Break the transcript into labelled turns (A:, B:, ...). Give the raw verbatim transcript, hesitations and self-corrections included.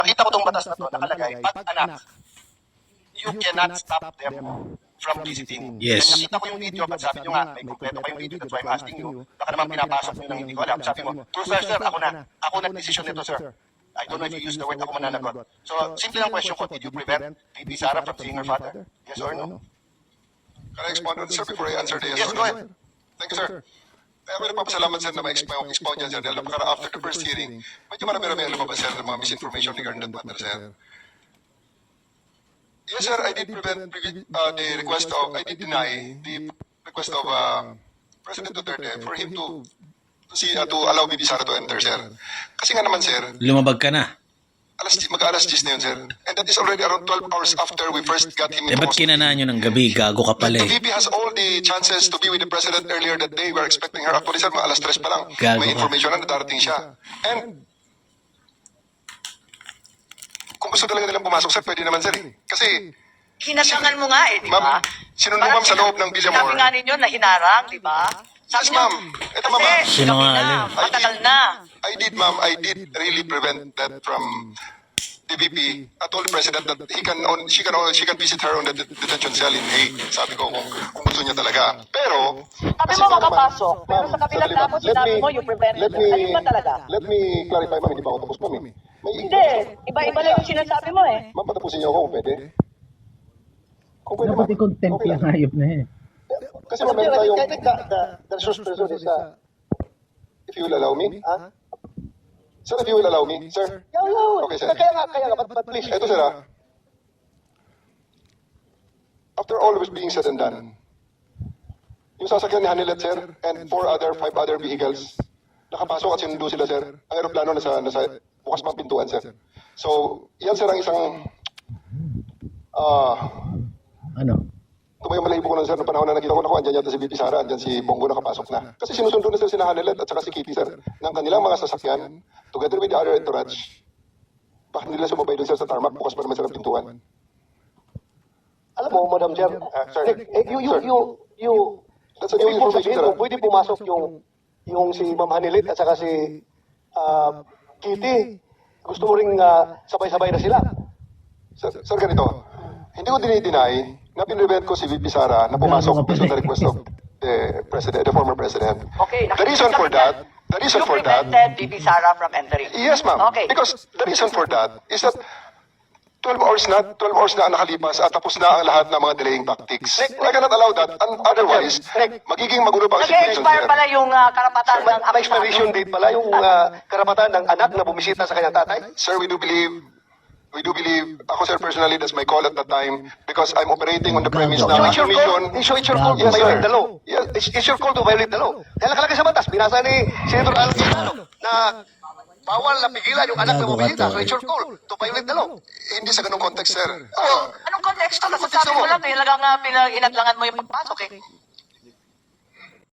A: nakita ko tong batas na to, nakalagay, but anak, you cannot stop them from visiting.
B: Yes.
A: And nakita ko yung video, but sabi nyo nga, may kompleto pa yung video, that's why I'm asking you, baka naman pinapasok nyo nang hindi ko alam. Sabi mo, true sir, sir, ako na, ako nag-decision nito, sir. I don't know if you use the word ako mananagot. So, simple lang question ko, did you prevent P P Sara from seeing her father? Yes or no?
C: Can I expound on this, sir, before I answer the yes?
A: Yes, go ahead.
C: Thank you, sir. Kaya may nagpapasalamat, sir, na ma-expound expound yan, sir. Dahil napakara after the first hearing, medyo marami-rami ang lumabas, sir, ng mga misinformation regarding that matter, sir. Yes, sir, I did prevent uh, the request of, I did deny the request of uh, President Duterte for him to to see, uh, to allow Bibi Sara to enter, sir. Kasi nga naman, sir,
B: Lumabag ka na.
C: alas, mag-alas diyes na yun, sir. And that is already around twelve hours after we first got him
B: Eh,
C: into
B: ba't
C: custody.
B: kinanaan nyo ng gabi? Gago ka pala
C: The
B: eh.
C: V P has all the chances to be with the President earlier that day. We are expecting her. Actually, sir, mga alas tres pa lang.
B: Gago
C: May
B: ka.
C: information na darating siya. And kung gusto talaga nilang pumasok, sir, pwede naman, sir. eh. Kasi,
D: Hinasangan mo nga eh, di ba?
C: ma'am, sinunod ma'am sa loob ng
D: Sabi
C: Villamor.
D: nga ninyo na hinarang, di ba?
C: Yes, ma'am. Ito, ma'am. ah.
D: Kasi gabi na,
B: Sinungaling.
D: matagal na.
C: I did, ma'am, I did really prevent that from the V P. I told the President that he can, on, she can, she can visit her on the det- detention cell in Hague. Sabi ko kung, kung gusto niya talaga. Pero,
D: Sabi mo makapasok, pero sa kabilang
C: Sandali,
D: damo
C: let
D: sinabi
C: me-
D: mo you prevented.
C: let me-
D: Ayun ba talaga?
C: Let me clarify, ma'am, hindi pa ako tapos, ma'am. eh. May,
D: Hindi, iba-iba lang yung sinasabi mo eh.
C: Ma'am, patapusin niyo ako kung pwede. Kung pwede,
E: Dapat
C: ma'am.
E: i-contempt
C: Okay
E: yung
C: lang.
E: hayop na eh.
C: Kasi ma'am, meron tayong... The, the, the resource person is... Uh, if you will allow me. Ah? Sir, if you will allow me. Sir.
A: Yaw, yaw.
C: Okay, sir.
A: Kaya nga, kaya nga, but, but please.
C: Ito, sir, ah. After all was being said and done, yung sasakyan ni Hanilet, sir, and four other, five other vehicles, nakapasok at sinundo sila, sir. Ang aeroplano nasa, nasa bukas pang pintuan, sir. So, yan, sir, ang isang... Ah...
E: Ano?
C: Tumayong malahibo ko lang, sir, noong panahon na nakita ko, naku, andyan yata si V P Sara, andyan si Bongo nakapasok na. Kasi sinusundo na, sir, si Hanelet at saka si Kitty, sir, ng kanilang mga sasakyan, together with the other entourage. Bakit nila sumabay dun, sir, sa tarmac, bukas pa naman, sir, ang pintuan.
A: Alam mo, Madam Chair, uh, sir, eh, eh, you, you,
C: Sir.
A: you, you,
C: That's a new
A: ibig mo
C: information,
A: sabihin
C: sir.
A: kung pwede pumasok yung, yung si Ma'am Hanilit at saka si uh, Kitty, gusto mo ring uh, sabay-sabay na sila.
C: Sir, sir, ganito, hindi ko dinideny na pinrevent ko si V P Sara na pumasok based on the request of the president, the former president.
D: Okay,
C: The reason for that, the reason
D: You
C: for that,
D: prevented Bibi Sara from entering.
C: yes, ma'am,
D: Okay.
C: because the reason for that is that twelve hours na, twelve hours na ang nakalipas at tapos na ang lahat ng mga delaying tactics. I cannot allow that, and otherwise, magiging magulo pa ang situation,
D: Nag-expire
C: sir.
D: pala yung uh, karapatan ng
A: May expiration date pala yung uh, karapatan ng anak na bumisita sa kanyang tatay.
C: Sir, we do believe, we do believe, ako sir personally, that's my call at that time because I'm operating on the premise
A: So
C: na
A: it's your call,
C: commission.
A: so it's your call to
C: Yes, sir.
A: violate the law.
C: Yes.
A: It's, it's your call to violate the law. Dahil nakalagay sa batas, binasa ni Senator Al Quintano na bawal na pigilan yung anak na
B: Gago ka
A: bumisita.
B: to,
A: So it's your call to violate the law.
C: Hindi sa ganung context, sir.
D: Oh, anong konteksto? Nasasabi mo lang, eh, talagang uh, pinag-inadlangan mo yung pagpasok eh.